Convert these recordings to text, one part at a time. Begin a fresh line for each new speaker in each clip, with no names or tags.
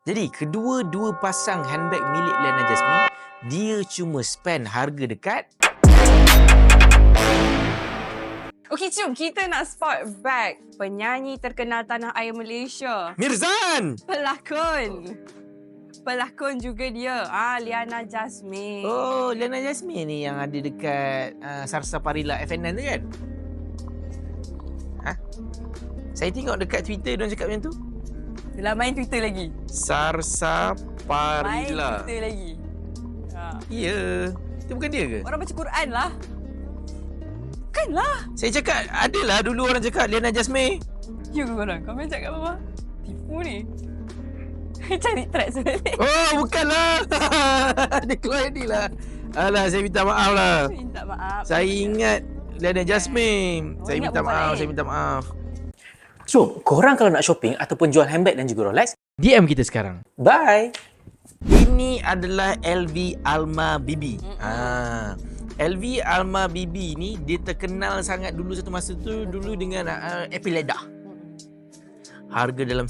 Jadi kedua-dua pasang handbag milik Liana Jasmine, dia cuma spend harga dekat.
Okey, jom kita nak spot bag penyanyi terkenal tanah air Malaysia.
Mirzan!
Pelakon juga dia. Liana Jasmine.
Oh, Liana Jasmine ni yang ada dekat Sarsa Parila FNN tu kan? Saya tengok dekat Twitter diorang cakap macam tu.
Dah main Twitter lagi.
Sarsa Parila.
Main Twitter lagi.
Ya. Itu bukan dia ke?
Orang baca Quran lah. Bukanlah.
Saya cakap, adalah dulu orang cakap Liana Jasmine.
Ya ke korang? Komen cakap apa? Tipu ni. Cari track sebenarnya.
Oh, bukanlah. Dia keluar ni lah. Alah, saya minta maaf lah.
Minta maaf.
Saya ingat Liana Jasmine. Saya
ingat
minta
perempuan
maaf,
lain.
saya minta maaf.
So, korang kalau nak shopping ataupun jual handbag dan juga Rolex,
DM kita sekarang.
bye!
Ini adalah LV Alma Bibi. LV Alma Bibi ni dia terkenal sangat dulu satu masa tu dulu dengan Epileda. Harga dalam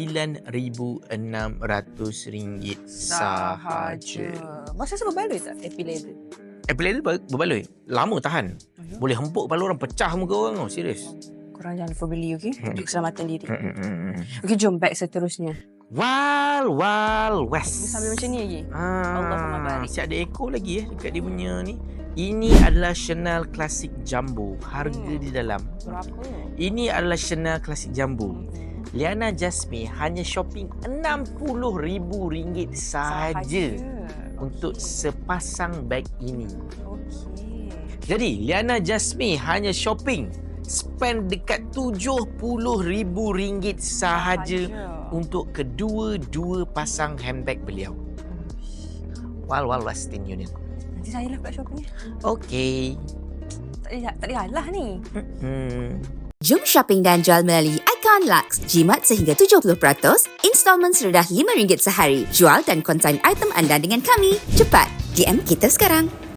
RM9,600 sahaja.
Masa saya berbaloi tak epilator?
Epileda berbaloi. Lama tahan. Boleh hempuk kepala orang, pecah muka orang tau. Serius.
Korang jangan lupa beli, okey? Untuk keselamatan diri. Okey, jom bag seterusnya.
Wild
Dia
West.
sambil macam ni lagi. Allahumma barik.
Siap ada ekor lagi dekat dia punya ni. Ini adalah Chanel Classic Jumbo. Harga di dalam.
Berapa?
Ini adalah Chanel Classic Jumbo. Liana Jasmine hanya shopping RM60,000 sahaja untuk sepasang beg ini.
Okey.
Jadi Liana Jasmine hanya shopping spend dekat RM70,000 sahaja untuk kedua-dua pasang handbag beliau. Wild Western Union.
Nanti saya lah pula shoppingnya.
Okey.
Tak boleh halah ni.
Jom shopping dan jual melalui Icon Lux. Jimat sehingga 70%, installment serendah RM5 sehari. Jual dan konsign item anda dengan kami. Cepat, DM kita sekarang.